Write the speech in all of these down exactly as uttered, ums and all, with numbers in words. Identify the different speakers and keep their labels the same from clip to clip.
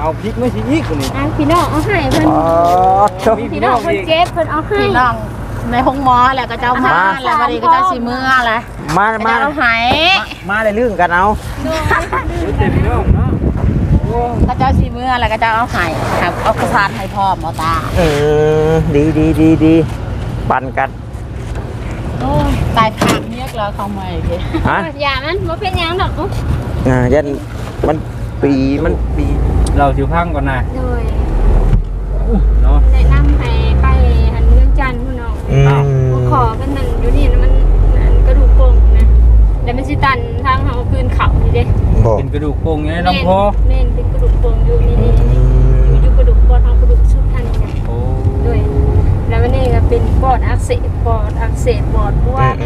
Speaker 1: เอาพริกไม่ใช่อีกนี่
Speaker 2: พี่น้องเอาให้เพิ่นพี่น้องเพิ่นเจ็บเพิ่นเอาให้พี่น้องในห้องหมอแหละก็เจ้ามาแล้วบัดนี้ก็เจ้าสิมื้อแหละ
Speaker 3: มามา
Speaker 2: เอาให้
Speaker 3: มาได้ลื่นกันเอา
Speaker 1: พี่น้องเนาะ
Speaker 2: ก็เจ้าสิมื้อแล้วก็เจ้าเอาให้ครับเอากระสานให้พร้อมเอาตา
Speaker 3: เออดีดีดีดีปั่นกัน
Speaker 2: โอ้ตายผักเรียกแล้วเขาใหม่พี่ฮะอย่ามันบ่เป็นหยังดอก
Speaker 3: อ่ายันมันปีมันปี
Speaker 1: เราสิพังก่อนนะ
Speaker 2: โดย
Speaker 1: เนาะ
Speaker 2: แนะนำให้ไปหันเรื่องจันทร์พุ่นน้องอ้าวขอกันนั่นอยู่นี่มันกระดูกโป่งนะแล้วมันสิตันทางเฮาคืนเขานี่เด้
Speaker 1: เป็นกระดูกโป่งไงลำคอ
Speaker 2: แม่นเป็นกระดูกโป่งอยู่นี่อยู่อยู่กระดูกปอดเฮากระดูกชุดทางนี้โอ้โดยแล้วมันนี่ก็เป็นปอดอักเสบปอดอักเสบปอดบวม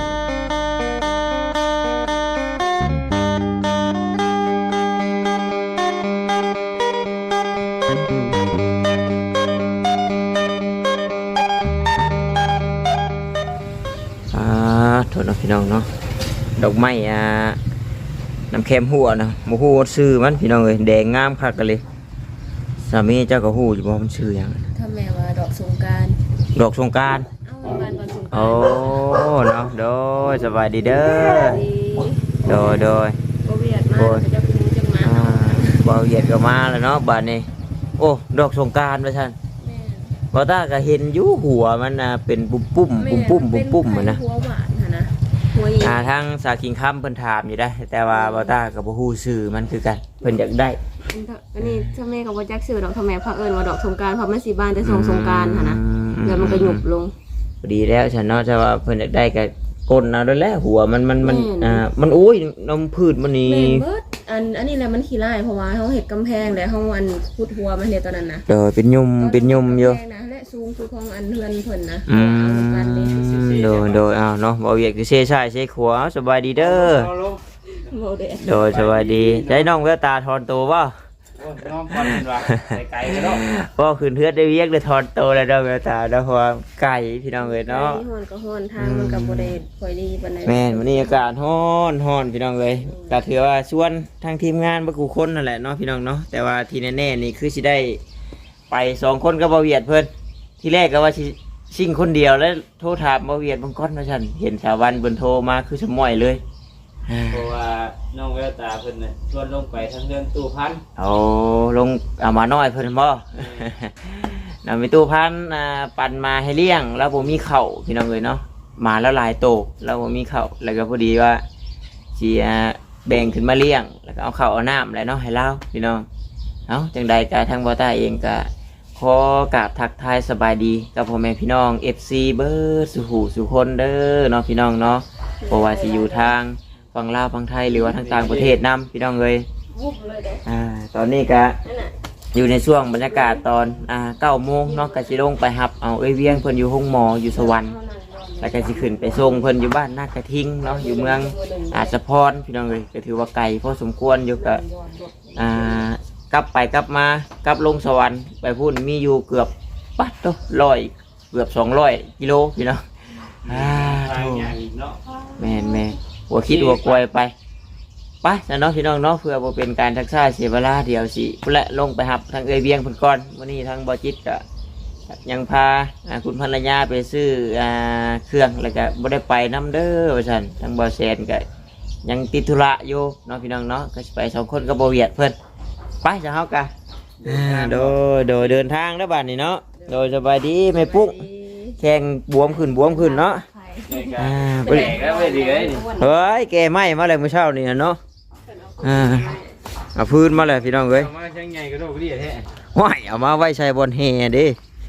Speaker 3: โทษนะพี่น้องเนาะดอกไม้อ่าน้ำเค็มหัวนะโมหูซื้อมันพี่น้องเลยแดงงามคักกันเลยสามีเจ้าก็หูอยู่บ่มันชื่อยัง
Speaker 2: ถ้าแม่ว่าดอกสงกรานต์
Speaker 3: ดอกสงกรานต์โอ้เนาะโดยสบายดีเด้อโดยโดย
Speaker 2: บ่เวียดมาจะพูจังมา
Speaker 3: บ่เวียดก็มาแล้วเนาะบัดนี้โอ้ดอกสงกรานต์ว่าซั่นบ่ตาก็เห็นอยู่หัวมันน่ะเป็นปุ้มปุ้มปุ้มปุ้มปุ้มปุ้มเหมือนนะ
Speaker 2: หัวหวานนะ
Speaker 3: อ่าทางสาคิงคำเพิ่นถามอยู่ได้แต่ว่าบ่ตาก็บ่ฮู้ชื่อมันคือกันเพิ่นอยากได้
Speaker 2: อันนี้ถ้าแม่ก็บ่จักชื่อดอกถ้าแม่พาเอิ้นว่าดอกสงกรานต์เพราะมันสิบ้านแต่สงสงกรานต์หั่นนะแล้วมันก็หยุบลง
Speaker 3: ดีแล้วฉันเนาะแต่ว่าเพิ่นอยากได้ก็ก้นเอาด้วยแหละหัวมันมันมันอ่ามันโอ้ยน้ำพืชมันนี่
Speaker 2: อันอันนี้แหละมันขี้ร้ายเพราะว่าเฮาเฮ็ดกำแพงแล้วเฮาอันขุดหัวมันเนี่ยตอนนั้นนะ
Speaker 3: เออเป็นยุ่มเป็นยุ่มอยู่
Speaker 2: และสูงคือของอันเฮือนเพิ่นนะ
Speaker 3: อืมโดยโดยเอาเนาะบ่เวียกคือเซ่ชายเซ่ขวาสบายดีเด้อโดยสบายดีได้น้องแววตาทอนตัวบ่
Speaker 1: น้องก่อนว่าไก่ก็เนาะ
Speaker 3: บ่ขึ้นเทือดได้เวียกได้ทอนตัวแล้วเด้อแววตาเด้อเพราะว่าไก่พี่น้องเอ้ยเนาะ
Speaker 2: ฮ้อนก็ฮ้อนทางมันก็บ่ได้ค่อยดีปานใด
Speaker 3: แม่นวันนี้อากาศร้อนร้อนพี่น้องเอ้ยก็ถือว่าชวนทางทีมงานบ่กูคนนั่นแหละเนาะพี่น้องเนาะแต่ว่าที่แน่ๆนี่คือสิได้ไปสองคนกับบ่เวียดเพิ่นที่แรกก็ว่าสิชิ่งคนเดียวแล้วโทรถามบ่เวียดบางคนว่าซั่นเห็นสาวันเพิ่นโทรมาคือสมอยเลย
Speaker 1: เพราะว่าน้องแววตาเพิ่นน่ะชวนลงไปทางเรื่องตู้พัน
Speaker 3: เอาลงเอามาน้อยเพิ่นบ่นำไปตู้พันอ่าปั่นมาให้เลี้ยงแล้วบ่มีข้าวพี่น้องเอ้ยเนาะมาแล้วหลายโตแล้วบ่มีข้าวแล้วก็พอดีว่าสิอ่าแบ่งขึ้นมาเลี้ยงแล้วก็เอาข้าวเอาน้ำแล้วเนาะให้เราพี่น้องเอ้าจังใดก็ทางบ่ตาเองก็ขอกราบทักทายสบายดีกับพ่อแม่พี่น้อง เอฟ ซี เบิร์ดสุหูสุคนเด้อเนาะพี่น้องเนาะเพราะว่าสิอยู่ทางฝั่งลาวฝั่งไทยหรือว่าทางต่างประเทศนำพี่น้องเลยอ่าตอนนี้ก็อยู่ในช่วงบรรยากาศตอนอ่าเก้าโมงเนาะก็สิลงไปหับเอาเอ้ยเวียงเพิ่นอยู่ห้องหมออยู่สวรรค์แล้วก็สิขึ้นไปส่งเพิ่นอยู่บ้านนากระทิงเนาะอยู่เมืองอาจจะพรพี่น้องเลยก็ถือว่าไกลพอสมควรอยู่กับอ่ากลับไปกลับมากลับลงสวรรค์ไปพูดมีอยู่เกือบปัดตัวร้อยเกือบสองร้อยกิโลพี่น้องอ่าแม่แม่หัวคิดหัวกลวยไปไปนะน้องพี่น้องเนาะเพื่อบ่เป็นการทักษะเสียเวลาเดียวสิและลงไปหับทางเอยเบียงเพิ่นก่อนวันนี้ทางบ่จิตก็ยังพาคุณภรรยาไปซื้อเครื่องแล้วก็บ่ได้ไปน้ำเด้อว่าซั่นทางบ่แซนก็ยังติดธุระอยู่เนาะพี่น้องเนาะก็สิไปสองคนก็บ่เวียดเพิ่นไปจะเฮากะโดยโดยเดินทางแล้วบ้านนี้เนาะโดยสบายดีไม่ปุ๊กแข้งบวมขึ้นบวมขึ้นเนาะอ่าไปเฮ้ยแกไหม้มาเลยเมื่อเช้านี่เนาะอ่าเอาพื้นมาเลยพี่น้องเอ้ย
Speaker 1: มาใช้ใหญ่กระโดดดีแท้
Speaker 3: ว้ายเอามาไว้ใช้บนแห่ดิ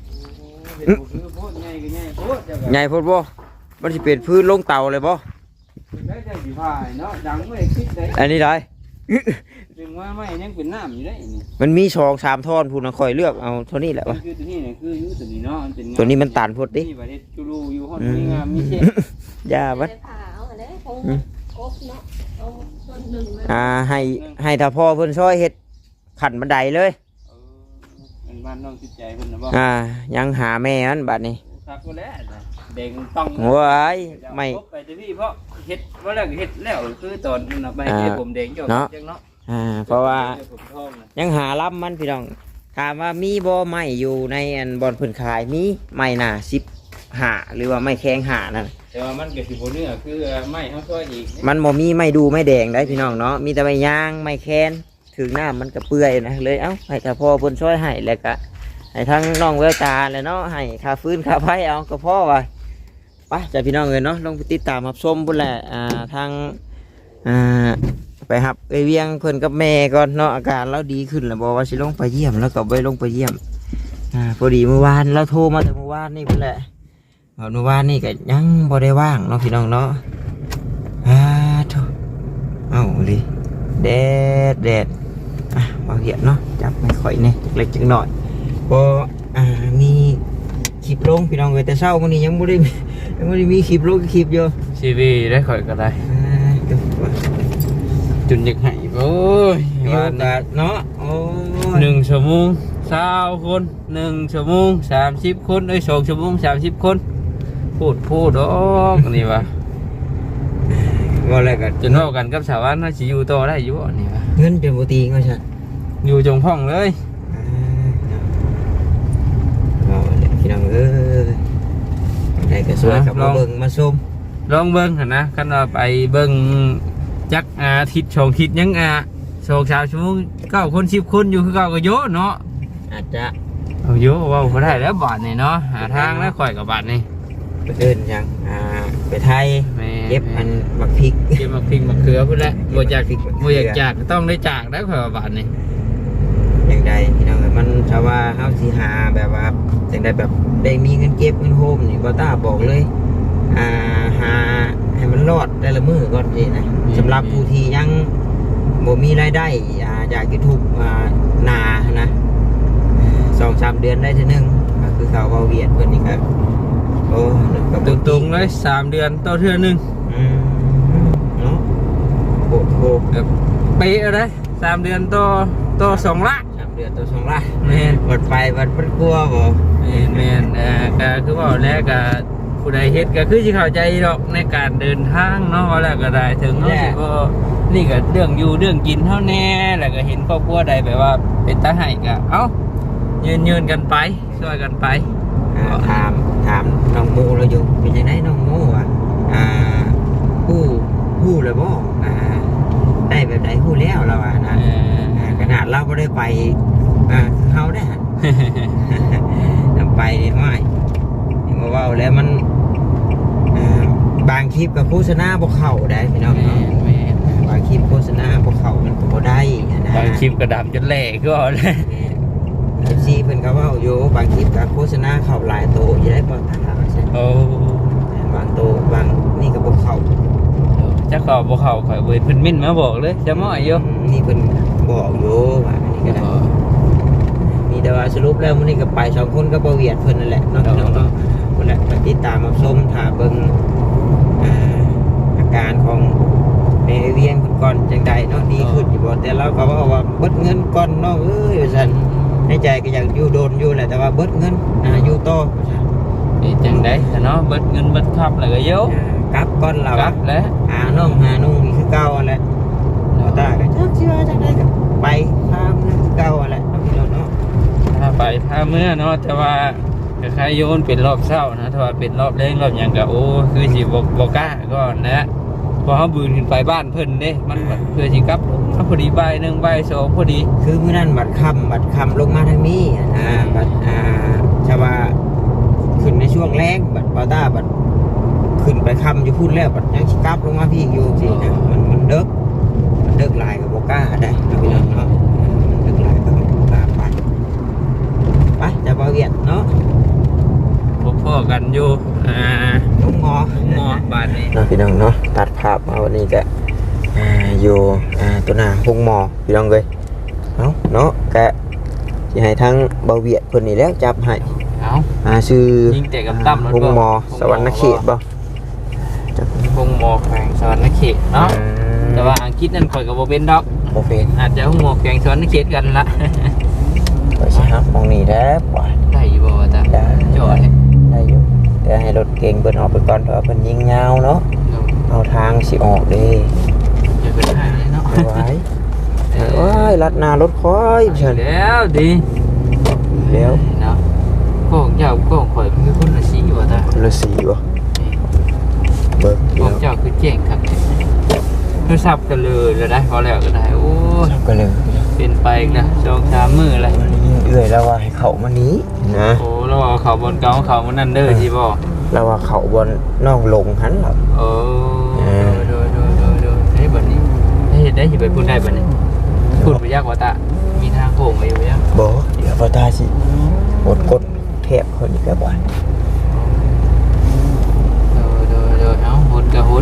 Speaker 3: ใหญ่โพดบ่มันสิเป็นพื้นลงเตาเลยบ่อันนี้ได้
Speaker 1: ว่าไม่ยังเป็นน้ำอยู่ได้
Speaker 3: มันมีสองสามท่อนพูดนะคอยเลือกเอาเท่านี้แหละวะ
Speaker 1: คือตัวนี้เนี่ยคือยูตัวนี้เนาะเป็น
Speaker 3: ตัวนี้มันตันพูดดิยาบัดอ่าให้ให้ถ้าพ่อเพิ่นช่วยเฮ็ดขันบันไดเลย
Speaker 1: เป็นบ้านน้องจิตใจเพิ่นนะบ่
Speaker 3: อ่ายังหาแม่มันบัดนี้
Speaker 1: ครับก็แล้วเด็กต้อง
Speaker 3: ว้ายไม่
Speaker 1: ไปที่พี่เพราะเฮ็ดว่าแล้วเฮ็ดแล้วคือตอนนั้นไปเฮ็ดผมเด็กจบจังเนาะ
Speaker 3: อ่าเพราะว่า
Speaker 1: ผมท้องนะ
Speaker 3: ยังหารับมันพี่น้องถามว่ามีบ่ไม้อยู่ในอันบอนเพิ่นขายมีไม้หนาสิบหาหรือว่าไม้แข็งหานั่น
Speaker 1: แต่ว่ามันก็สิบ่เนื้อคือไม้เฮาซอยอีก
Speaker 3: มันบ่มีไม้ดูไม้แดงได้พี่น้องเนาะมีแต่ไม้ย่างไม้แคนถึงหน้ามันก็เปื่อยนะเลยเอ้าให้ถ้าพ่อเพิ่นช่วยให้แล้วก็ให้ทั้งน้องแววตาแล้วเนาะให้ค่าฟื้นค่าไฟเอาก็พอว่าไปจ้ะพี่น้องเอ้ยเนาะลองไปติดตามรับชมพุ่นแหละอ่าทางอ่าไปหับไปเวียงเพิ่นกับแม่ก่อนเนาะอาการเราดีขึ้นแล้วบอกว่าสิลงไปเยี่ยมแล้วก็ไปลงไปเยี่ยมอ่าพอดีเมื่อวานเราโทรมาแต่เมื่อวานนี่พุ่นแหละเมื่อวานนี่ก็ยังบ่ได้ว่างเนาะพี่น้องเนาะอ่าโธ่เอ้าดิแดดแดดอ่ะมาเหียนเนาะจับไม่ค่อยเนี่ยจักเล็กจักหน่อยพออ่ามีคลิปลงพี่น้องเอ้ยแต่เช้าวันนี้ยังบ่ได้มียังบ่ได้มีคลิปลงคลิปอยู่
Speaker 1: ชีวีได้ข่อยก็ได้
Speaker 3: อ่าเดี๋ยวว่า
Speaker 1: จุนอยากให้โอ้ย
Speaker 3: มีโอกาสเนาะโอ้ย
Speaker 1: หนึ่งชั่วโมงสาวคนหนึ่งชั่วโมงสามสิบคนเอ้ยสองชั่วโมงสามสิบคนพูดพูดดอกนี่วะ
Speaker 3: ว่าอะไรกัน
Speaker 1: จนเท่ากันกับชาวบ้านน่าสิอยู่ต่อได้อยู่บ่นี่วะ
Speaker 3: เงินเป็นปกติก็ใช่
Speaker 1: อยู่จงพ่องเลย
Speaker 3: อ่าเอาเลยพี่น้องเอ้ยได้ก็สวยกับมาเบิ่งมาชม
Speaker 1: ลองเบิ้งหั่นนะคันว่าไปเบิ้งจักอาทิตย์สองทิศยังอาสองสามชั่วโมงเก้าคนสิบคนอยู่คือเก้าก็โยเนาะ
Speaker 3: อาจจะ
Speaker 1: เอาโยเว่าบ่ได้แล้วบาทนี่เนาะหาทางแล้วข่อยกับบาทนี่
Speaker 3: ไปเดินยังอ่าไปไทย
Speaker 1: แม่
Speaker 3: เก็บอันบักพริก
Speaker 1: เก็บมาพริกมาเขือพุ่นแหละบ่อยาก
Speaker 3: เก็บมะเขือ
Speaker 1: บ่อยากจากก็ต้องได้จากแล้วข่อยว่าบาทนี่
Speaker 3: อย่างใดพี่น้องเอ้ยมันถ้าว่าเฮาสิหาแบบว่าจังใดแบบได้มีเงินเก็บเงินโฮมนี่บ่ต้าบอกเลยอ่าหาให้มันรอดแต่ละมื้อก่อนสินะสำหรับผู้ที่ยังบ่มีรายได้อ่าอยาก YouTube อ่านานะสองสามเดือนได้เทีนึงก็คือเขาเว้าเวียดเพิ่นนี่ก็โอ้ก็บ่
Speaker 1: ตรงๆเลยสามเดือนต่อเทื่อหนึง
Speaker 3: อืมเนาะโอ้โห
Speaker 1: แบบเป๊ะเลยสามเดือนต่อต่อสองละ
Speaker 3: สามเดือนตัวสองล้าน
Speaker 1: แม่น
Speaker 3: หมดไปวัดมันกลัวบ่
Speaker 1: แม่นแม่นเอ่อก็คือว่าแล้วก็ผู้ใดเฮ็ดก็คือสิเข้าใจดอกในการเดินทางเนาะว่าแล้วก็ได้ถึงเนาะสิบ่นี่ก็เรื่องอยู่เรื่องกินเท่าแน่แล้วก็เห็นครอบครัวใดแบบว่าเป็นตาให้ก็เอ้ายืนยืนกันไปช่วยกันไป
Speaker 3: อ่าถามถามน้องโมเราอยู่เป็นยังไงน้องโมอ่ะอ่าผู้ผู้เลยบ่อ่าได้แบบไหนผู้แล้วเราอ่ะนะ
Speaker 1: เออ
Speaker 3: อ่าขนาดเราไม่ได้ไปอ่าคือเขาได้ฮะ นำไปนี่ไม่นี่มาเว่าแล้วมันอ่าบางคลิปกับโฆษณาพวกเขาได้พี่น้อง
Speaker 1: แม่
Speaker 3: เนาะ
Speaker 1: นแม่น
Speaker 3: บางคลิปโฆษณาพวกเขามันก็บ่ได้นะ
Speaker 1: บางคลิปก็ดำจนแหลกก็เลย
Speaker 3: เอฟซีเพิ่นก็เว่าอยู่บางคลิปกับโฆษณาเขาหลายโตอยู่ได้บ่ตาใช่
Speaker 1: โอ้
Speaker 3: บางโตบางนี่ก็บ่เข้า
Speaker 1: จะขอบ่เข้าข่อยเว้ยเพิ่นมิ้นมาบอกเลยจะมาอยู่
Speaker 3: นี่เพิ่นบอกอยู่ว่าอันนี้ก็ได้มีแต่ว่าสรุปแล้วมื้อนี้ก็ไปสองคนก็บ่เวียดเพิ่นนั่นแหละเนาะพี่น้องเนาะพุ่นแหละไปติดตามรับชมถ้าเบิ่งอ่าอาการของแม่เวียงเพิ่นก่อนจังใดเนาะดีขึ้นอยู่บ่แต่เราก็ว่าว่าเบิดเงินก่อนเนาะเอ้ยว่าซั่นในใจก็อยากอยู่โดนอยู่แหละแต่ว่าเบิดเงินอ่าอยู่ต่อว่าซั่น
Speaker 1: นี่จังได๋เนาะเบิดเงินเบิดคับแล้วก็เยอะ
Speaker 3: อ่ากลับก่อนเรา
Speaker 1: กลับแล้ว
Speaker 3: หาน้องหานุ่งนี่คือเก่าอะไรเราตาก็จักสิว่าจังได๋ก็ไปพามนั่นคือเก่าอะไรเนาะพี่น้องเนาะ
Speaker 1: ถ้าไปพาเมื่อเนาะแต่ว่าคล้ายๆโยนเป็นรอบเช้านะถ้าว่าเป็นรอบแรงรอบหยังก็โอ้คือสิบ่บ่กล้าก่อนนะพอเฮาบืนขึ้นไปบ้านเพิ่นเด้มันแบบเพื่อสิกลับมาพอดีบ่ายหนึ่งบ่ายสองพอดี
Speaker 3: คือมื้อนั้นบัดค่ำบัดค่ำลงมาทางนี้อะนะบัดอ่าชาวาขึ้นในช่วงแรงบัดปาต้าบัดขึ้นไปค่ำอยู่พุ่นแล้วบัดยังสิกลับลงมาพี่อยู่สินะมันมันเดึกมันเดึกหลายก็บ่กล้าได้เนาะพี่น้องเนาะมันเดึกหลายก็บ่กล้าไปไปจะบ่เวียดเนาะ
Speaker 1: พบพ่อกันอยู่อ่า
Speaker 3: ลุงงอ
Speaker 1: หมอบาดนี้
Speaker 3: เนาะพี่น้องเนาะตัดภาพมาวันนี้ก็อ่าอยู่อ่าตัวหน้าห้องหมอพี่น้องเลยเนาะเนาะกะสิให้ทั้งเบาเวียดเพิ่นนี่แล้วจับให้
Speaker 1: เอา
Speaker 3: อ่าชื่อ
Speaker 1: ยิงแต่กับตั้มแล้ว
Speaker 3: ห้อง
Speaker 1: ก็
Speaker 3: หมอสวรรณเขตบ่จับ
Speaker 1: พงหมอแขวงสวรรณเขตเนาะแต่ว่าอังกฤษนั่นข่อยก็บ่เป็นดอก
Speaker 3: โอเค
Speaker 1: อาจจะพงหมอแขวงสวรรณเขตกันละ
Speaker 3: ไปสิครับมองนี่แหล้วปล่อย
Speaker 1: ได้อยู่บ่จ้ะ
Speaker 3: ได้
Speaker 1: จอดเลย
Speaker 3: ได้อยู่แต่ให้รถเก่งเพิ่นออกไปก่อนเพราะว่าเพิ่นยิงยาวเนาะเอาทางสิออกเด้
Speaker 1: จะเป็นได้เนาะ
Speaker 3: เอาไว้
Speaker 1: แต่
Speaker 3: ว้ายลัดหน้ารถคอยเชิญ
Speaker 1: แล้วดี
Speaker 3: แล้ว
Speaker 1: เนาะก็ของเจ้าก็ของข่อยเป็นคนละสีว่าตา
Speaker 3: คนละสีบ่เบิก
Speaker 1: ของเจ้าคือแจ้งครับคือสับกันเลยแล้วได้พอแล้วก็ได้โอ้
Speaker 3: ก็เลย
Speaker 1: เป็นไปอีกนะสองสามมืออะไร
Speaker 3: เอื่อยแล้วว่าให้เขามานี้นะ
Speaker 1: โอ้แล้วว่าเขาบนเก่าเขามันนั่นเด้อที่บ่
Speaker 3: แล้วว่าเขาบนน้องลงหันหรอ
Speaker 1: โอ้โดยโดยโดยโดยเฮ้ยบัดนี้ได้เห็นได้สิไปพูดได้บัดนี้พูดไปยากกว่าตามีทางโค้งไว้อยู่ยัง
Speaker 3: บ่เดี๋ยวพอตาสิกดกดเทปคนนี้ก็บ่
Speaker 1: โดยโดยโดยเอ้าหุ่นกับหุ่น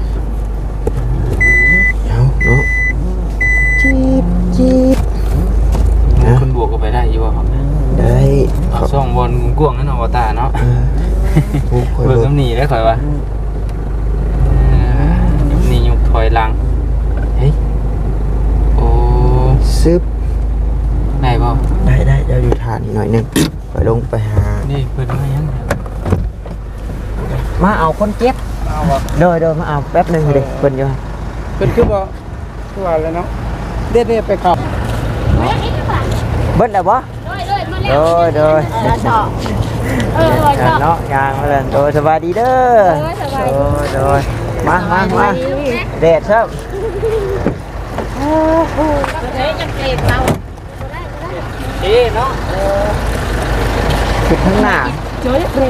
Speaker 3: เอาเนาะจีบจีบ
Speaker 1: คุณบวกก็ไปได้อยู่บ่ครับ
Speaker 3: ได้
Speaker 1: เอาช่องบอลกว้างนั่นเอาว่าตาเนาะ
Speaker 3: ผู้คอย
Speaker 1: เบิก
Speaker 3: เบิก
Speaker 1: กำหนีได้ข่อยว่ายุบนี่ยุบถอยหลังเฮ้ยโอ้
Speaker 3: ซึบ
Speaker 1: ได้ป่ะ
Speaker 3: ได้ได้เดี๋ยวอยู่ทานอีกหน่อยหนึงไปลงไปหา
Speaker 1: นี่เปิดมายัง
Speaker 3: มาเอาคนเจ็บ
Speaker 1: เอาบ่
Speaker 3: เดินเดินมาเอาแป๊บหนึงเด็กเพิ่นอยู่
Speaker 1: เป็นคือบ่คือว่าแล้วเนาะเด็ดๆไปขับ
Speaker 3: เบิดแล้วบ่
Speaker 2: โดยโดยมา
Speaker 3: โด
Speaker 2: แล้ว
Speaker 3: ยโดย
Speaker 2: เออเออชอบ
Speaker 3: เนาะยางมาเลยโดยสบายดีเด้อ
Speaker 2: เออสบายดี
Speaker 3: โดยโดยมามามาเด็ดครับ
Speaker 2: โอ้โหเฮ้ยจะเก็บเรา
Speaker 1: เอ๊เนาะ
Speaker 3: ขึ้นข้างหน้า
Speaker 2: เจอเบรก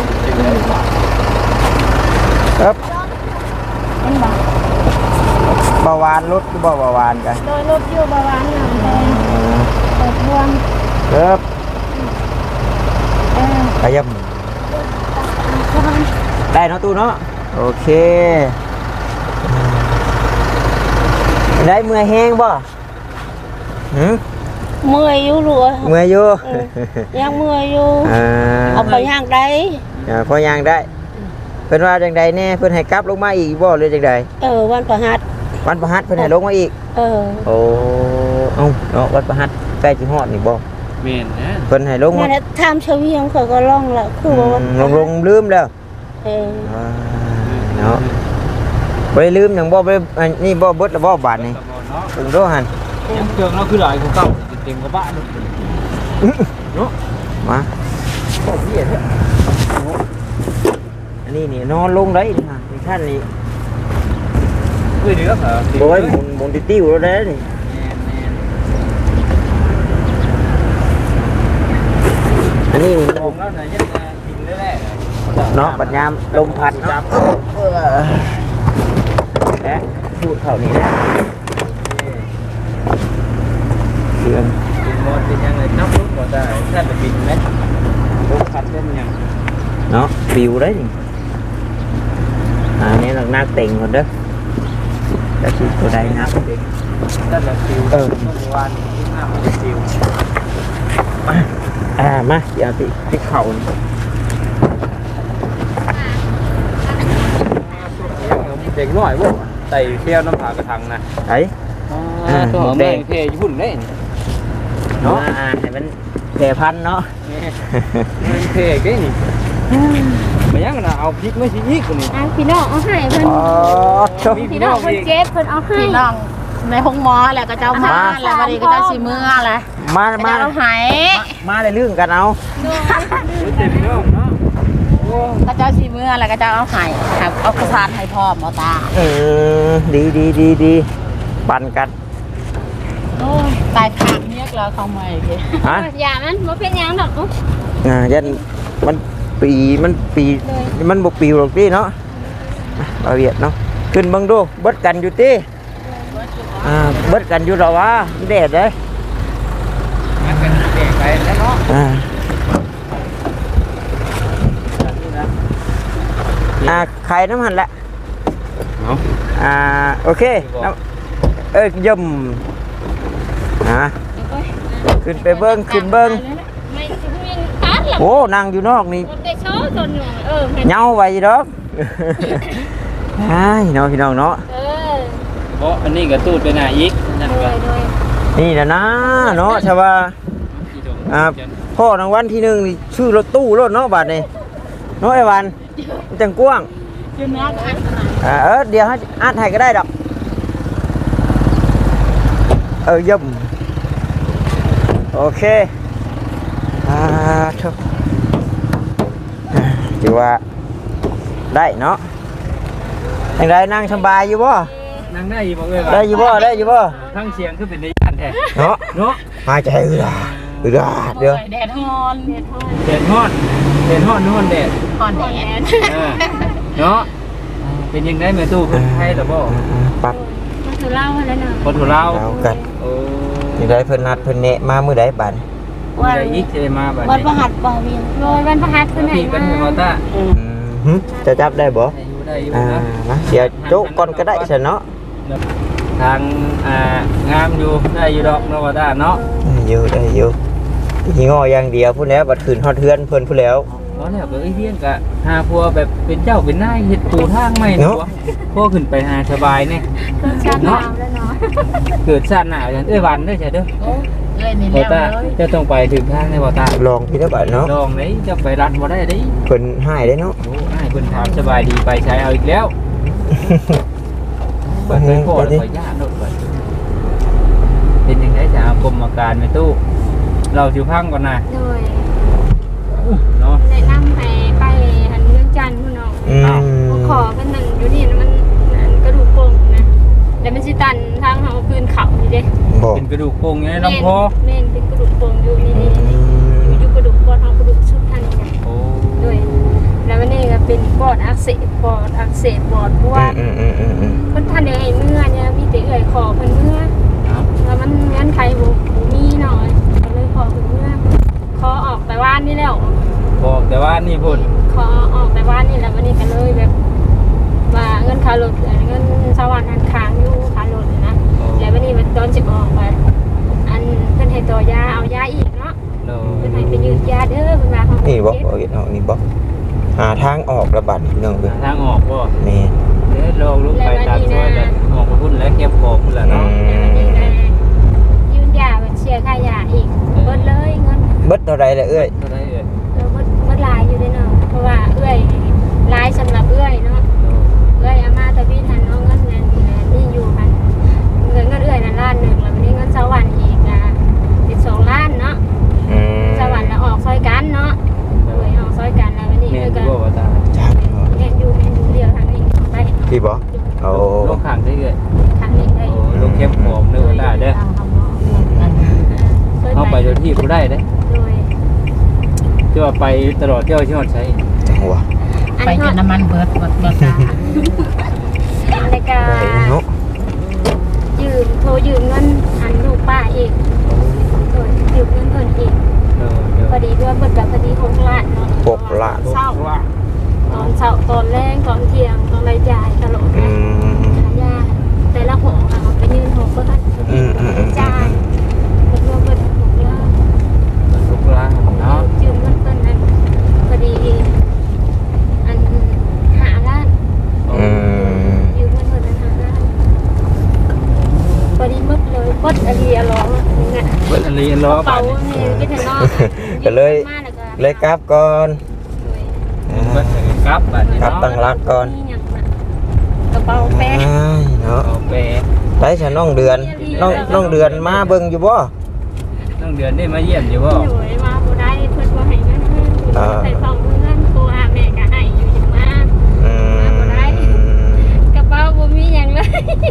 Speaker 3: ครับ
Speaker 2: เป็นบ่
Speaker 3: เบาหวานลดคือบ่เบาหวานกัน
Speaker 2: โดยรถอยู่บาวานหนังแดงเปิดรวม
Speaker 3: ครับ
Speaker 2: เออ
Speaker 3: ขยับได้เนาะตู้เนาะโอเคได้เมื่อยแห้งบ่หืม
Speaker 2: เมื่อยอยู่หลัว
Speaker 3: เมื่อยอยู่
Speaker 2: ยังเมื่อยอยู่
Speaker 3: อ่า
Speaker 2: เอาไปย่างได้
Speaker 3: อ่าพอย่างได้เพิ่นว่าจังใดแน่เพิ่นให้กลับลงมาอีกบ่หรือจังใด
Speaker 2: เออวันประหัส
Speaker 3: วันประหัสเพิ่นให้ลงมาอีก
Speaker 2: เออ
Speaker 3: โอ้เอ้าเนาะวันประหัสใกล้สิฮอดนี่บ่
Speaker 1: เมนนะ
Speaker 3: เพิ่นให้ลง
Speaker 2: นั่
Speaker 3: มาน
Speaker 2: แหละทำเชวีของเขาก็ล่องละคือว่าวัน
Speaker 3: ลงลงลืมแล้ว
Speaker 2: เออ
Speaker 3: อ่าเนาะบ่ได้ลืมหยังบ่บ่ได้อันนี่บ่เบิดแล้วบ่บาทนี่
Speaker 1: เนาะ
Speaker 3: ถึงโดหัน
Speaker 1: ยังเครื่องเราคือหลายกว่าเก่าเต็มกระบะเลยเนาะ
Speaker 3: มาโอ้เหี้ยเด้ออันนี้นี่นอนลงได้นี่ฮะนี่ท่านนี่
Speaker 1: คือเดือดเหรอ
Speaker 3: โอ้ยหมุนหมุนติ้วๆแล้วเด้นี่อันนี้
Speaker 1: ลงแล้วไหนยังกินได้แหละ
Speaker 3: เนาะปัญญามลมพัดเนาะเออและพูดเท่านี้แหละเดือน
Speaker 1: เป็นบอลเป็นยังไงนับรถก็ได้ถ้าจะบินไหมรถขัดเป็นยัง
Speaker 3: เนาะปิวđấy thì à nên là nát tiền rồi đó đó chỉ của đây nát
Speaker 1: ถ้าจะฟิว
Speaker 3: เออ
Speaker 1: เมื่อวานที่ห้ามันฟิว
Speaker 3: à má giờ thì cái khẩu này.
Speaker 1: เด็กน้อยบ่ไต่เที่ยวน้ำผากระทังนะ
Speaker 3: đấy
Speaker 1: อ่าตัวแดงเทญี่ปุ่นได้
Speaker 3: nó à thì bên kè phanh nó
Speaker 1: มันเทเก้นี่มายังนะเอาพริกไม่ใช่ยิกนี่
Speaker 2: อ่ะพี่น้องเอาให้เพิ่น
Speaker 3: Ồ, chúc.
Speaker 2: พี่น้องเพิ่นเจ็บเพิ่นเอาให้
Speaker 4: พี่น้องในห้องหมอแหละก็เจ้ามา
Speaker 3: มา
Speaker 4: แล้ววันนี้ก็เจ้าสีเมือแหละ
Speaker 3: má
Speaker 4: เจ้า
Speaker 3: má
Speaker 4: หาย
Speaker 3: má lại lương cả nào
Speaker 1: เต็มน้องเนาะโอ้
Speaker 4: ก็เจ้าสีเมือแล้วก็เจ้าเอาหายครับเอากระพานให้พ่อหมอตา
Speaker 3: ừ, đi đi đi đi bàn cắt
Speaker 4: โอ้ยตายขากเนี้ยแล้วเขาไม่เลย
Speaker 3: hả
Speaker 2: อย่ามันบ่เป็นหยังดอกเนาะ
Speaker 3: à dân mình pì mình pì mình một pì rồi đi nó bảo việt nóขึ้นบังดูเบิดกันอยู่ติอ่าเบิดกันอยู่หรอวะแดดเด้
Speaker 1: งั้นกันแดงไปแล้วเนาะ
Speaker 3: อ่าอ่าไข่น้ำหันแหละ
Speaker 1: เอา
Speaker 3: อ่าโอเคน้ำเอ้ยย่ำอ่าขึ้นไปเบิ้งขึ้นเบิ้ง
Speaker 2: ไม่สิมีตัดหรอก
Speaker 3: โอ้นั่งอยู่นอกนี่
Speaker 2: มันได้โชว์ตนหนึ่งเออให้
Speaker 3: เหงาไว้ดอกไอ้น้องพี่น้องเนาะ
Speaker 2: เออ
Speaker 1: เพราะอันนี้ก็ตูดไปหน้าอีกนั่น
Speaker 2: โด
Speaker 1: ก็
Speaker 2: ยโดย
Speaker 3: นี่แหละนะเนาะใช่ป่ะอ่าพ่อรางวัลที่หนึ่งนี่ชื่อรถตู้รถเนาะบาทนี่เนาะไอ้วันมันจังกว้าง
Speaker 4: ยืนนัดอัน
Speaker 3: อ่าเออเดี๋ยวให้อัดให้ก็ได้ดอกเออย่ำโอเคอ่าทุกถือว่าได้เนาะยังไงนั่งสบายอยู่บ่
Speaker 1: นั่งได้อยู่บ่เอ้ย
Speaker 3: ได้อยู่บ่ได้อยู่บ่
Speaker 1: ทั้งเสียงคือเป็นในย่านแท้
Speaker 3: เนาะ
Speaker 1: เนาะ
Speaker 3: หายใจเอือเอือเดี๋ยว
Speaker 4: แดดฮอน
Speaker 2: เด็ดทอด
Speaker 1: แดดฮ้อนแดดฮ้อนฮ้อนแดด
Speaker 4: ฮอนแดด
Speaker 1: เออเนาะเป็นยังไงแม่ตู้คนไทยหรือบ่
Speaker 3: ปัด
Speaker 2: มาถือเหล้าแล้วเนาะ
Speaker 1: คนของเรา
Speaker 3: เอากัน
Speaker 1: โอ้
Speaker 3: ยังไงเพิ่นนัดเพิ่นเนะมามื้อใดบัด
Speaker 2: วัน
Speaker 1: ใจอีกจะมาแบบ
Speaker 4: วัน
Speaker 1: นี้
Speaker 4: ประหัสบ่เวียน
Speaker 2: โรยวันพฤหัสขึ้นไหน
Speaker 1: พี่กัน
Speaker 2: มา
Speaker 1: ให้มอต้า
Speaker 3: อืมหึจะจับได้บ่
Speaker 1: ได้อยู่ได้อยู่
Speaker 3: อ่า
Speaker 1: นะ
Speaker 3: นะเสียโจ๊กก่อนก็ได้ซะเนาะ
Speaker 1: ทางอ่างามอยู่ได้อยู่ดอกเนาะว่าต้าเนาะ
Speaker 3: ได้อยู่ได้อยู่สิงออย่างเดียวพุ่นแล้วบัดขึ้นฮอดเทือนเพิ่นพุ่นแล้ว
Speaker 1: เพราะแล้วก็ไอ้เพี้ยนกะหาพัวแบบเป็นเจ้าเป็นนายเฮ็ดปูทางใหม่
Speaker 3: เนาะ
Speaker 1: เนาะพวกขึ้นไปหาสบายเนี่ย
Speaker 2: ก็ชาติหนาวแล้วเนาะ
Speaker 1: เกิดชาติหน้าอย่างเอ้ยวันเด้อใช่เด้อ
Speaker 4: โอ้เอ้ยนี่
Speaker 1: บ่
Speaker 4: แล้ว
Speaker 1: ต้า
Speaker 4: เลย
Speaker 1: จะต้องไปถึงทางในบ่ต้า
Speaker 3: ลองพี่ได้บัดเนาะ
Speaker 1: ลองไหนจะไปรัดบ่ได้เด้
Speaker 3: เพิ่นหายได้เนาะ
Speaker 1: โอ้ให้คนถามสบายดีไปใช้เอาอีกแล้วเปิดเป็นโคตรขอยาโดดก่อนเป็นยังไงจะเอากรมอาการในตู้เราสิพังก่อนนะ
Speaker 2: โดย
Speaker 1: เนาะ
Speaker 2: แนะนำให้ไปหันเมืองจันทร์พุ่นเนาะ
Speaker 3: อืม
Speaker 2: ขอกันนั่นอยู่นี่นะมันอันกระดูกโป่งนะแล้วมันสิตันทางเฮาคืนเขานี่เด้
Speaker 3: บ่
Speaker 1: เป็นกระดูกโป่งอยู่ในลำคอ
Speaker 2: แม่นเป็นกระดูกโป่งอยู่นี่นี่นี่อยู่อยู่กระดูกปอดทางกระดูกชุดท่านนี่นะ
Speaker 1: โอ้
Speaker 2: ด้วยแล้ววันนี้ก็เป็นปอดอักเสบปอดอักเสบปอดบวม
Speaker 3: อืมอืมอืมอืม
Speaker 2: เพิ่นท่านได้ให้เมื่อเนี่ยมีแต่เอื่อยขอเพิ่นเมื่อ
Speaker 1: ครับ
Speaker 2: แล้วมันเงินไขบ่บ่มีหน่อยก็เลยขอเพิ่นเมื่อขอออกแต่ว่านนี่แล้ว
Speaker 1: บอกแต่ว่านี่พุ่น
Speaker 2: ขอออกแต่ว่านนี่แล้ววันนี้ก็เลยแบบว่าเงินค่ารถเงินสวรรค์อันค้างอยู่ค่ารถนะแล้ววันนี้มันตอนสิบออกมาอันเพิ่นให้ต่อยาเอายาอีกเนาะ
Speaker 1: โด
Speaker 2: เพิ่นให้ไปยืดยาเด้อเพิ่นว่าเขา
Speaker 3: นี่บ่บ่เห็นออกนี่บ่หาทางออกระบาดพี่น้องเอ้ย
Speaker 1: ทางออกบ่
Speaker 3: แม่น
Speaker 1: เด้อลองลุกไปตามซอยแล้วออกไปพุ่นแล้วเก็บของพุ่นแล้วเนาะ
Speaker 2: แล้ววันนี้ก็ยืนยาเชียร์ค่ายาอีกเบิดเลยเงิน
Speaker 3: เบิดเท่าไรล่ะเอ้ย
Speaker 1: เท่าไหร่เอ่ย
Speaker 2: เออเบิดเบิดหลายอยู่เด้อเนาะเพราะว่าเอื้อยหลายสำหรับเอื้อยเนาะเอื้อยอามาตะพี่ทันเอาเงินนั่นนี่อยู่พันเงินเงินเอื้อยนั่นล้านหนึงแล้ววันนี้เงินสวรรค์อีกอ่ะเป็นสองล้านเนาะ
Speaker 3: อืม
Speaker 2: สวรรค์แล้วออกซอยกันเนาะเอื้อยออกซอยกันแล้ววันนี้
Speaker 1: แม่
Speaker 2: เอื้อย
Speaker 1: น
Speaker 2: ก็
Speaker 1: บ่ว่าตา
Speaker 3: จัก
Speaker 2: แม่นอยู่แม่นอยู่เดียวทางนี้ออกไป
Speaker 3: พี่บ่โอ้
Speaker 1: ลงข้างได้เอ่ย
Speaker 2: ทางนี้ได้
Speaker 1: โอ้ลงเก็บของเด้อว่าตาเด้อ
Speaker 2: เคย
Speaker 1: เอาไปโดยที่บ่ได้เด้
Speaker 2: โดย
Speaker 1: ที่ว่าไปตลอดเที่ยวที่ฮอดใช้
Speaker 3: จังหวะ
Speaker 4: ไปจนน้ำมันเบิดหมดหมดตา
Speaker 2: รายกา
Speaker 3: ไป
Speaker 2: ร
Speaker 3: เนาะ
Speaker 2: ยืมโทรยืมเงินอันลูกป้าอีกโดยยืมเงินเพิ่นอีก
Speaker 1: เออเดี๋ยว
Speaker 2: พอดีด้วยเบิดแบบพอดีหกล้านเนาะ
Speaker 3: หกล้าน
Speaker 2: เศร้า
Speaker 1: ว่า
Speaker 2: ตอนเช้าตอนแรงตอนเที่ยงตอนรายจ่ายตลอด
Speaker 3: อื
Speaker 2: นะ
Speaker 3: ม
Speaker 2: ขายาแต่ละหอค่ะไปยืนหกเบิด
Speaker 3: อืมอืมอืม
Speaker 2: จ่ายเบิดรวมเบิดหกล้าน
Speaker 1: ทุกร้านเนาะ
Speaker 2: ยืมเงินเพิ่นนั้นพอดีอันหาล้าน
Speaker 3: อืม
Speaker 2: ยืมเงินเพิ่นนั้นหาล้านพอดีหมดเลยกดอรีอร้องเนี่ย
Speaker 1: เปิดอันนี้ล้อ
Speaker 2: เป๋า
Speaker 1: บาท
Speaker 2: เนี่ยก็จะนอก
Speaker 3: ก็เลยเลยกลับก่อน
Speaker 1: เปิดกลับบาทนี่
Speaker 3: กลับ
Speaker 1: เนาะ
Speaker 3: ตั้งรักก่อน
Speaker 2: กระเป๋าแป้ง
Speaker 3: อ้ายเนาะ
Speaker 1: เอาไป
Speaker 3: ไปฉันน้องเดือนน้องน้องเดือนมาเบิ่งอยู่บ่
Speaker 1: ต้องเดือนได้มาเยี่ยมอยู่บ่
Speaker 2: หน่วยมาบ่ได้เพิ่นบ่ให้เงินใส่ซองเงินโทรหาแม่ก็ให้อยู่อย่างมาก
Speaker 3: อืม
Speaker 2: กระเป๋าบ่มีหยังเลย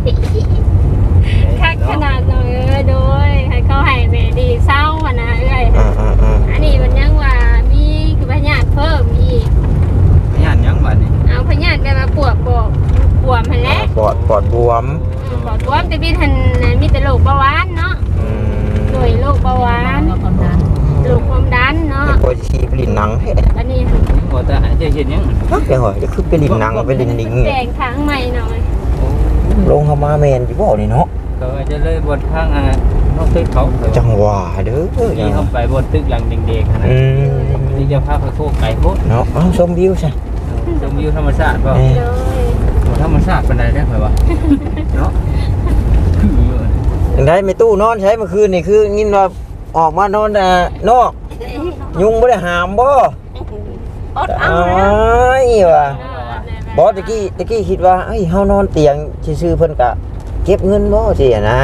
Speaker 2: คักขนาดเลยเออโดยให้เขาให้แม่ดีเศร้าอ่ะนะเอ้ย
Speaker 3: อ่าอ่าอ่า
Speaker 2: อันนี้มันยังว่ามีคือพยาธิเพิ่มอีก
Speaker 1: ย่านยังบาทนี่
Speaker 2: เอาพยาธิแบบว่าปวดบ่ปวดหั่นแหละ
Speaker 3: ปอดปอดบวม
Speaker 2: ปวดบวมแต่พี่ทันมีแต่โรคเบาหวานเนาะ
Speaker 3: อืม
Speaker 2: โดยโรคเบาหวาน
Speaker 4: แล้วความดัน
Speaker 2: โรคความดันเนาะ
Speaker 3: แล้วก็ชีไปลินหนังแท้
Speaker 2: อันนี้
Speaker 1: บ่ตาจะเห็นยัง
Speaker 3: ฮักจังหวะจะคือไปลินหนังไปลินลิง
Speaker 2: แดงทางใหม่หน่อย
Speaker 3: ลงเข้ามาแมนอยู่บ่นี่เนาะ
Speaker 1: ก็จะเลยบนข้างอ่ะนอกตึกเขา
Speaker 3: จังหวะเด้อ
Speaker 1: ที่เข้าไปบนตึกหลังเด็กๆนะ
Speaker 3: อืม
Speaker 1: นี่จะพาไปโคกไก่โคตร
Speaker 3: เนาะเอ้าชมวิวซะ
Speaker 1: ชมวิวธรรมชาติป่ะ
Speaker 3: เอ้ย
Speaker 2: เลย
Speaker 1: ธรรมชาติเป็นไรได้ไหมวะเนาะคือ
Speaker 3: จังได๋ไม่ตู้นอนใช้เมื่อคืนนี่คือยินว่าออกมานอนอ่านอก ยุงบ่ได้หามบ่
Speaker 2: อดเอา
Speaker 3: อ้า
Speaker 2: แล้ว
Speaker 3: ยว่ะบ่ตะกี้ตะกี้คิดว่าเอ้ยเฮานอนเตียงซื่อๆเพิ่นก็เก็บเงินบ่สิอะนะ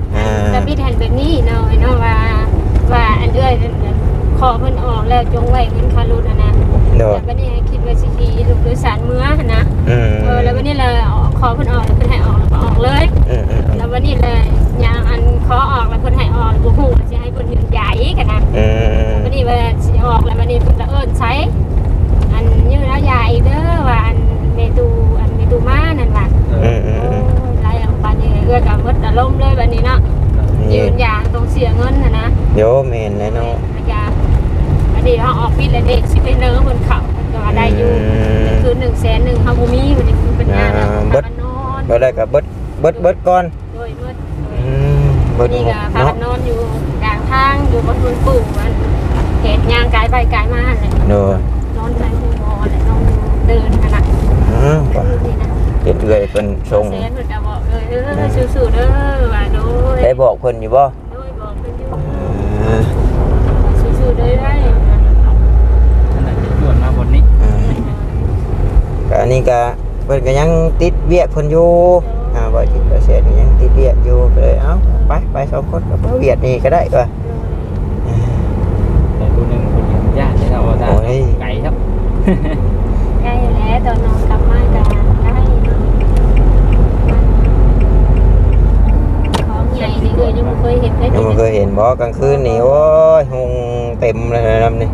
Speaker 3: อ่า
Speaker 2: แต่พี่แทนแบบนี้เนาะเนาะว่าว่าอันเอื้อยขอเพิ่นออกแล้วจงไว้เงินค่ารถนะนะ
Speaker 3: โดย
Speaker 2: แต่วันนี้คิดว่าสิขี่ลูกโดยสารเมื่อนะ
Speaker 3: อืม
Speaker 2: เออแล้ววันนี้เลยขอเพิ่นออกแล้วเพิ่นให้ออกแล้วก็ออกเลย
Speaker 3: อืมอืม
Speaker 2: แล้ววันนี้เลยอย่างอันขอออกแล้วเพิ่นให้ออกแล้วบ่ฮู้ว่าสิให้เพิ่นยืนใหญ่กันนะ
Speaker 3: อืม
Speaker 2: วันนี้ว่าสิออกแล้ววันนี้เพิ่นละเอิ้นใช้อันยืนแล้วใหญ่เด้อว่าอันเมตูอันเมตูมานั่นว่า
Speaker 3: อืมอืม
Speaker 2: โอ้
Speaker 3: อืม
Speaker 2: ยหลายอย่างบัดนี้เอื้อก็หมดอารมณ์เลยบัดนี้เนาะยืนอย่างต้องเสียเงินน่ะนะ
Speaker 3: โยแม่นเลยเนาะ
Speaker 2: อันนี้เขาออกพิษและเด็กสิไปเนื้อบนเขาก็ได้อยู่คือหนึ่งแสนหนึ่งเขาบ่มีวันนี้คือเป็นงานนะพากันนอน
Speaker 3: บ่ได้ก็เบิดเบิดเบิดก่อน
Speaker 2: โดยเมื่อ
Speaker 3: อืมเบิด
Speaker 2: นี่
Speaker 3: หม
Speaker 2: ก็
Speaker 3: ด
Speaker 2: พา
Speaker 3: เนาะ
Speaker 2: กันนอนอยู่กลางทางอยู่บนพื้นปูมันเหตุยางกายไปกายมาเลย
Speaker 3: โดย
Speaker 2: นอนไปหูงอเลยนอนเดินขนาด
Speaker 3: อืม
Speaker 2: นี่นะ
Speaker 3: เฮ็ดเอื้อยเพิ่นส่ง
Speaker 2: แสนเพิ่นก็บอกเลยเออสู้ๆเด้อว่าโดย
Speaker 3: ได้บอกเพิ่นอยู่บ่
Speaker 2: โดยบอกเพิ่นอยู่
Speaker 3: อ่า
Speaker 2: สู้ๆเด้อได้
Speaker 1: ขนาดจะชวนมาบนนี้
Speaker 3: อ่าก็อันนี้ก็เพิ่นก็ยังติดเวียกเพิ่นอยู่อ่าบ่จิตบ่เสียนี่ยังติดเวียกอยู่ก็เลยเอ้าไปไปสองคนกับเวียกนี่ก็ได้ว่า
Speaker 1: แต่ตัวหนึ่งคนยังยากเลยเราได้
Speaker 3: โอ้ย
Speaker 1: ไก่ครับ
Speaker 2: ใกล้แล้วตอนนอนกลับมากันใกล้ของใหญ่นี่คือยังไม่เคยเห็นเลย
Speaker 3: ยังบ่เคยเห็นบ่กลางคืนนี่โอ้ยหุงเต็มเลยนะนี่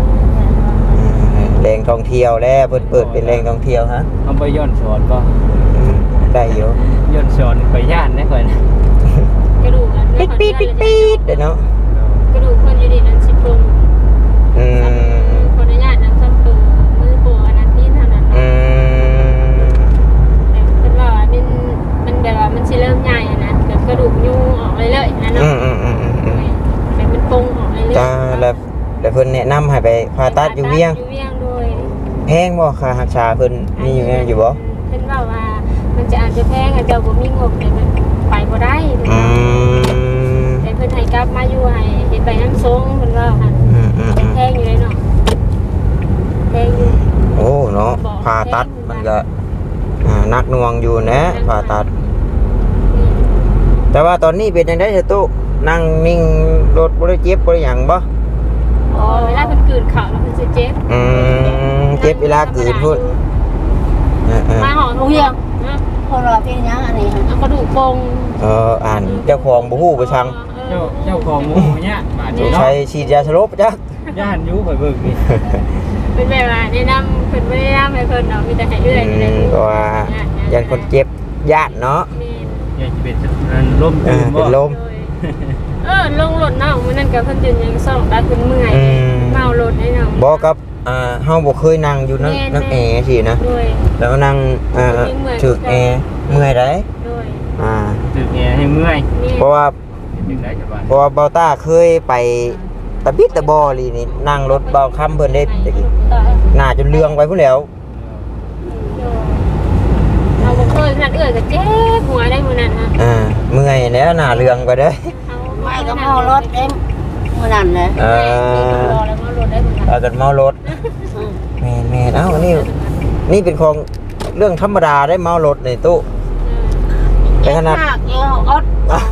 Speaker 3: แหล่งท่องเที่ยวแล้วเพิ่นเปิดเป็นแหล่งท่องเที่ยวฮะ
Speaker 1: เอาไปย้อนสอนก็
Speaker 3: อืมได้อยู่
Speaker 1: ย้อนสอนไปย่านได้ก่อนนะ
Speaker 2: กระดูกอัน
Speaker 3: ปิดปิดปิดปิดเด้อเนาะ
Speaker 2: กระดูกคนอยู่ดีนั้นสิบปง
Speaker 3: อืม
Speaker 2: คนอนุญาตนั้นซ้ำตัวมือโปอันนั้นนี่เท่านั้น
Speaker 3: อืม
Speaker 2: แต่เป็นว่ามันมันแบบว่ามันสิเริ่มใหญ่นะแบบกระดูกยูออกเลยเลยนะ
Speaker 3: อื
Speaker 2: เนาะ
Speaker 3: มอืมอืมอืมอืม
Speaker 2: แต่มันปงออกเลยเลย
Speaker 3: จ้าแล้วแล้วเพิ่นแนะนำให้ไปผ่าตัดอยู่เวียง
Speaker 2: อยู่เวียงโดย
Speaker 3: แพงบ่ค่ารักษาเพิ่นมีอยู่แน่อยู่บ่
Speaker 2: เพิ่นว่าว่ามันจะอาจจะแพงอาจจะบ่มีงบแต่มันไปบ่ได้
Speaker 3: อืม
Speaker 2: แต่เพิ่นให้กลับมาอยู่ให้เฮ็ดใบน้ำทรงเพิ่นว่าหั่น
Speaker 3: อืมอืมอืม
Speaker 2: แพงอยู่เลยเนาะแพงอยู่
Speaker 3: โอ้เนาะผ่าตัดมันก็อ่านักหน่วงอยู่นะผ่าตัด แต่ว่าตอนนี้เป็นจังได๋เถอะตุ๊นั่งนิ่งรถบ่ได้เจ็บบ่ได้หยังบ่
Speaker 2: อ๋อเวลาเพิ่นกลืนข้าวแล้วเพิ่นสิเจ็บ
Speaker 3: อืมเจ็บเวลากลืนพุ่นเออ
Speaker 2: มาหอมเวียงนะ
Speaker 4: คนเราเป็นยังอันนี้
Speaker 2: เอากระดูกโปง
Speaker 3: ๆเอออ่านเจ้าของบ่ฮู้ไปสั่ง
Speaker 1: เจ้าเจ้าของหมูเนี่ยบาด
Speaker 3: ส
Speaker 1: เจ็บ
Speaker 3: ง
Speaker 1: เนาะ
Speaker 3: สัยฉีดยาสลบจัก
Speaker 1: ย่านอยูไปเบิ่งนี่
Speaker 2: เป็นแบบว่าแนะนำเพิ่นบ่ได้แนะนำให้เพิ่นเนาะมีแต่ให้เอื้อยนี่แหละ
Speaker 3: อืมก็ว่ายันคนเจ็บญาติเนาะ
Speaker 2: แม่น
Speaker 1: อยากจะเป็นอันล่ม
Speaker 3: เอ
Speaker 1: ตื่
Speaker 3: อน
Speaker 1: บ่
Speaker 3: เป็นลม
Speaker 2: โดยเออลงรถเนาะมื้อนั้นก็เพิ่นยืนยังซ่องตาเพิ่นเมื่อย
Speaker 3: อืม
Speaker 2: เมารถได้เนาะ
Speaker 3: บ่กับอ่าเฮาบ่เคยนั่งอยู่นั่ง
Speaker 2: แม่น
Speaker 3: นั่งแอร์สินะ
Speaker 2: โดย
Speaker 3: แล้วก็นั่งอ่า
Speaker 2: เมื่อย
Speaker 3: ถึกแอร์เมื่อยได้
Speaker 2: โดย
Speaker 3: อ่า
Speaker 1: ตึกแอร์ให้เมื่อย
Speaker 2: แม่น
Speaker 3: เพราะว่า
Speaker 1: ถึงได้จะบาด
Speaker 3: เพราะว่าเบาต้าเคยไปตะบิดตะบอลีนี่นั่งรถเบาค่ำเพิ่นได้ตะกี้หน้าจนเลืองไปพุ่นแล้ว
Speaker 2: เราบ่เคยขนาดเอื้อยก็เจ็บหัวได้มื้อนั้นนะ
Speaker 3: อ่าเมื่อยแล้วหน้าเลืองไปเด้อ
Speaker 4: ไม่ก็เมารถเอ็มเมื่อนั้นเลย
Speaker 3: เอ
Speaker 2: มี
Speaker 3: อ
Speaker 2: รอแล้วก็รถได้เหมือนกัน
Speaker 3: พากันเมารถแม่นแม่นเอ้านี่นี่เป็นของเรื่องธรรมดาได้เมารถในตู้แต่ขนาด
Speaker 4: มากเอวอด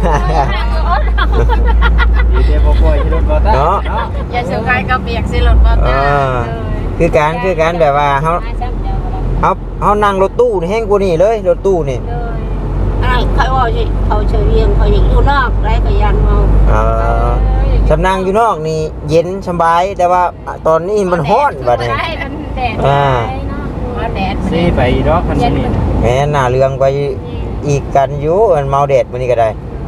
Speaker 1: ดีเดบ่ปล่อยให้รถบ่ตา
Speaker 3: เนาะ
Speaker 4: อย่าเสียกายกับเบียกสิรถบ่
Speaker 3: อ่า
Speaker 4: ตา
Speaker 3: คือการคือการแบบว่าเฮาเฮาเฮานั่งรถตู้นี่แห้งกว่านี้เลยรถตู้นี่
Speaker 4: อะไรเขาว่าสิเขาเฉยเวียงเขาอย่างอยู่นอกไรก็ยันเมา
Speaker 3: เอ่อสำนังอยู่นอกนี่เย็นสบายแต่ว่าตอนนี้มันร้อนบัดนี้
Speaker 2: อ่า
Speaker 4: ว่าแดด
Speaker 1: ซีไปดอกคันนี้
Speaker 3: แม่หน้าเรืองไปอีกกันอยู่มันเมาแดดมื้อนี้ก็ได้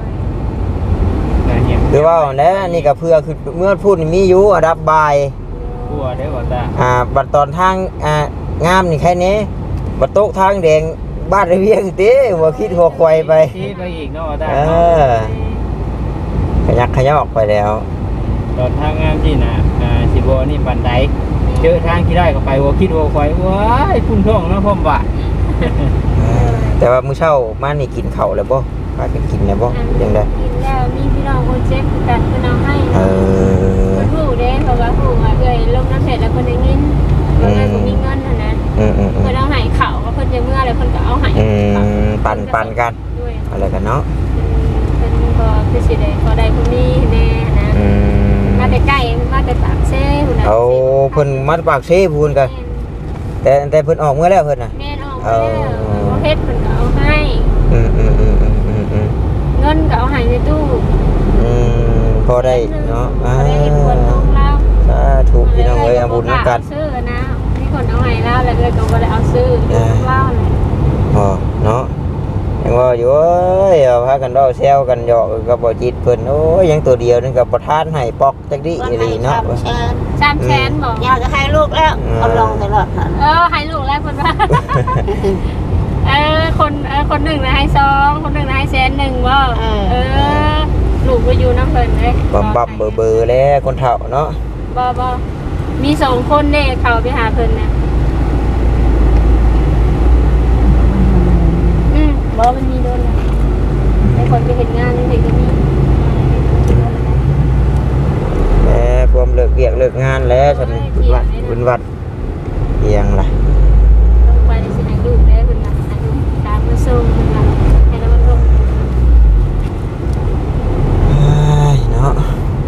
Speaker 3: คือว่าแล้วนี่ก็เพื่อคือเมื่อพูดนี่มีอยู่อันดับบาย
Speaker 1: กลัวได้บ่ตา
Speaker 3: อ่าบัดตอนทางอ่างามนี่แค่นี้บัดโต๊ะทางแดงบ้านระเวียงติหัวคิดหัวควายไป
Speaker 1: ซีไปอีกเนาะตา
Speaker 3: เออขยักขยักออกไปแล้ว
Speaker 1: ตอนทางงามที่น่ะอ่าสิบ่นี่ปานใดเจอทางที่ได้ก็ไปหัวคิดหัวควายว้ายพุ่งท้องเนาะพ่อมว่า
Speaker 3: แต่ว่ามื้อเช้ามานี่กินข้าวแล้วบ่พากันกินแล้วบ่ยังได้
Speaker 2: กินแล้วมีพี่น้องคนเจ็บกันเพิ่นเอาให้
Speaker 3: เออ
Speaker 2: เพิ่นผู้เด้เพราะว่าผู้ว่าเอ้ยลงน้ำเสร็จแล้วเพิ่นได้เงินเพิ่นเลยบ่มีเงินหั่นนะ
Speaker 3: อืมอืมอื
Speaker 2: เพิ่
Speaker 3: ม
Speaker 2: นเอาให้ข้าวก็เพิ่นจะเมื่อแล้วเพิ่นก็เอาให้
Speaker 3: อืมปั่นปั่นกัน
Speaker 2: ด้วย
Speaker 3: อะไรกันเนาะ
Speaker 2: เป็นบ่อคือสิได้พอได้ผู้มีแน่นะ
Speaker 3: อืม
Speaker 2: มาแต่ใกล้มาแต่ปากเซ่พุ่นน่ะ
Speaker 3: เอาเพิ่นมัดปากเซพูนกันแต่แต่เพิ่นออกเมื่อแล้วเพิ่นน่ะ
Speaker 2: แม่นออกมาแล้วบ่เฮ็ดเพิ่นก็เอาให้
Speaker 3: อืมอืมอืมอืมอืมอืม
Speaker 2: เงินก็เอาให้ในตู้
Speaker 3: อืมพอได้เนาะอ่า
Speaker 2: บ่ได้เฮ็ดควรน้องเรา
Speaker 3: สาธุพี่น้องเอ้ยเอาบุญนำกัน
Speaker 2: ซื้อนะมีคนเอาให้เราแล้วเลยก็บ่ได้เอาซื้อน้องเราเลย
Speaker 3: อ๋อเนาะยังว่าอยู่เอ้ยเอาพากันเว้าแซวกันหยอกกับบ่จิตเพิ่นโอ้ยยังตัวเดียวนึงกับประทานให้ปอกจักดิ
Speaker 4: วัน
Speaker 3: อี
Speaker 4: ไหน
Speaker 3: หลีเนาะ
Speaker 4: ทำแชร์
Speaker 2: สามแสนบ่
Speaker 4: อยากจะให้ลูกแล้วเอาลงตลอดค่ะ
Speaker 2: เออให้ลูกแล้วเพิ่นว่า เออคนเออคนหนึ่งนะให้สองคนหนึ่งนะให้แสนหนึ่งว่าเออลูกไปอยู่น้ำเพลินเลย
Speaker 3: บำบับเบอร์เบอร์แล้วคนเฒ่าเนาะ
Speaker 2: บ่บ่มีสองคนเด้เขาไปหาเพลินเนี่ยอืมบ่มันมีโดนนะไอ้คนไปเห็นงานนี่เด็กก็มี
Speaker 3: แหมความเลิกเวียกเลิกงานแล้วฉันบุญวัดบุญวัดเพียงล่ะ
Speaker 2: ต้องไปในสิ่งลูกได้เพิ่นว่าให้ลูกตามมาส่งเพิ่นว่าให้แล้วมันลง
Speaker 3: เอ้ยเนาะ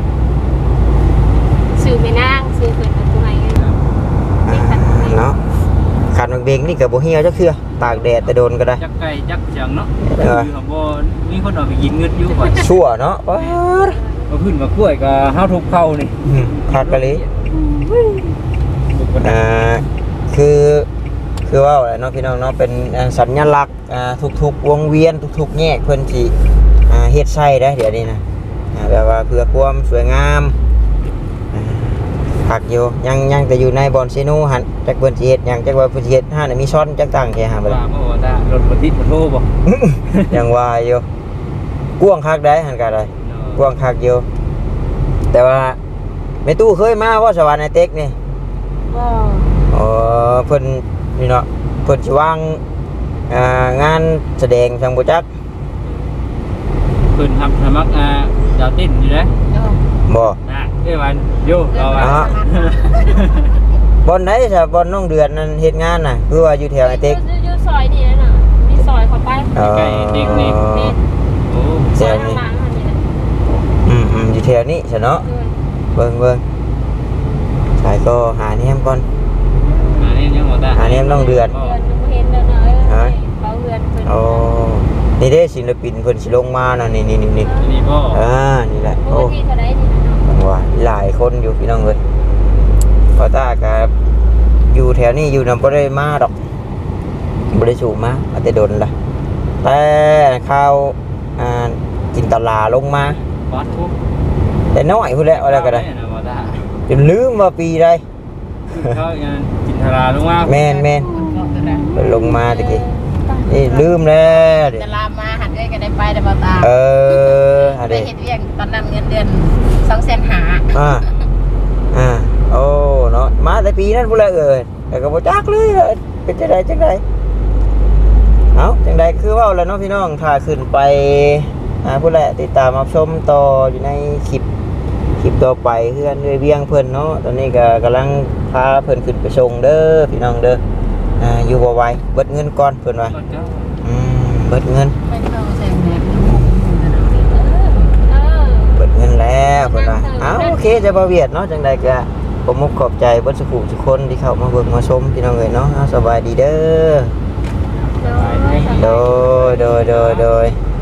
Speaker 2: สื่อไม่นางสื่อเพิ่นกับผู้ให้เงิน
Speaker 3: อ่าเนาะขันเบงนี่กับบ่เหี่ยวจักเทื่อตากแดดแต่โดนก็ได้
Speaker 1: จักไก่จักเสียงเนาะ
Speaker 3: เออ
Speaker 1: คือบ่มีคนเอาไปกินเงินอยู่บ่
Speaker 3: ชั่วเนาะป๊าด
Speaker 1: มาขึ้นมากล้วยก็เฮาทุบเข้านี่
Speaker 3: อืมขาดกะลิ
Speaker 1: ทุบกระดา
Speaker 3: อ่า
Speaker 1: ษ
Speaker 3: คือคือว่าอะไรเนาะพี่น้องเนาะเป็นอ่าสัญลักษณ์อ่าทุกๆวงเวียนทุกๆแยกเพิ่นสิอ่าเฮ็ดใส่ได้เดี๋ยวนี้นะอ่าแบบว่าเพื่อความสวยงามอ่าผักอยู่ยังยังแต่อยู่ในบอนซิโนหันจักเพิ่นสิเฮ็ดหยังจักว่าเพิ่นสิเฮ็ดห้าน่ะมีช้อนจักตั้งแค่หาบ่
Speaker 1: ว่า
Speaker 3: ล่ะ
Speaker 1: บ่ว่าตารถบ่ติดบ่โทรบ่
Speaker 3: ยังว่าอยู่กว้างคักได้หันก็ได้กว้างคักอยู่แต่ว่าแม่ตู้เคยมาว่าสวรรค์ไอเต็กนี่
Speaker 4: ก็
Speaker 3: อ๋อเพิ่นนี่เนาะเพิ่นสิวางอ่างานแสดงจังบ่จัก
Speaker 1: เพิ่นรับสมัครอ่าดาวเต้นอยู่เด้
Speaker 3: บ่
Speaker 1: นะเอ้ยวันโยเราอ่ะ
Speaker 3: อ่าบ่อนไหนซะบ่อนน้องเดือนนั่นเฮ็ดงานน่ะคือว่าอยู่แถวไอเต็ก
Speaker 2: อยู่ซอยนี่นะน่ะมีซอยเข้าไป
Speaker 3: เอ่อ
Speaker 1: ไก่เด็กนี่ โอ้
Speaker 2: ซอยข้างหลังอันนี้แหละ
Speaker 3: อืมอืมอยู่แถวนี้ซะเนาะ
Speaker 2: เออ
Speaker 3: เบิ่งเบิ่งสายก็หาแนมก่อน
Speaker 1: อันนี้ยังบ่ตา
Speaker 3: อันนี้ต้องเดือน
Speaker 2: เดือนยังบ่เห็นแล้วเนาะเออเขาเดือนเพิ่น
Speaker 3: โอ้นี่เด้ศิลปินเพิ่นสิลงมาเนาะนี่นี่นี่นี่
Speaker 1: นี่บ่
Speaker 3: อ่านี่แหละ
Speaker 2: ป
Speaker 3: โอ้
Speaker 2: กติเท่าใดนี่นะเนาะ
Speaker 3: จังว่าหลายคนอยู่พี่น้องเอ้ยพอตากับอยู่แถวนี้อยู่นำบ่ได้มาดอกบ่ได้สูมาอาจจะโดนล่ะแต่ข้าวอ่าจินตลาลงมา
Speaker 1: วัดทุก
Speaker 3: แต่น้อยพุ่นแหละว่าแล้วก็ได้
Speaker 1: นะบ่ตา
Speaker 3: จนลืมว่าปีใด
Speaker 1: เขางานจินทราลงมา
Speaker 3: แม่นแม่นเพิ่นลงมาตะกี้นี่ลืมแล้วเดี๋ยว
Speaker 4: จะลามมาหันด้วยกันได้ไปได้บ่ตา
Speaker 3: เอออะ
Speaker 4: ไป
Speaker 3: เด้
Speaker 4: เฮ็ดเวียงตอนนั้นเงินเดือนสองแสนห้า
Speaker 3: อ่าอ่าโอ้เนาะมาแต่ปีนั้นพุ่นแหละเอ้ยแต่ก็บ่จักเลยเอ้ยเป็นจังไดจังไดเอาจังไดคือเว้าแล้วเนาะพี่น้องถ้าขึ้นไปอ่าพุ่นแหละติดตามรับชมต่ออยู่ในคลิปคลิปต่อไปเพื่อนเรื่อยเวียงเพิ่นเนาะตอนนี้ก็กำลังพาเพิ่นขึ้นไปส่งเด้อพี่น้องเด้ออ่าอยู่บ่ไหวเบิดเงินก่อนเพิ่นว่าอืมเบิดเงิน
Speaker 4: ไม่เข้าแสนแหก
Speaker 2: เออ
Speaker 3: เปิดเงินแล้วเพิ่นว่าอ้าวโอเคจะบ่เวียดเนาะจังใดก็ผมมุกขอบใจเบ่สุขุทุกคนที่เข้ามาเบิ่งมาชมพี่น้องเอ้ยเนาะอ้าวสบายดีเด้อ
Speaker 2: โดย
Speaker 3: โดยโดยโดยโดย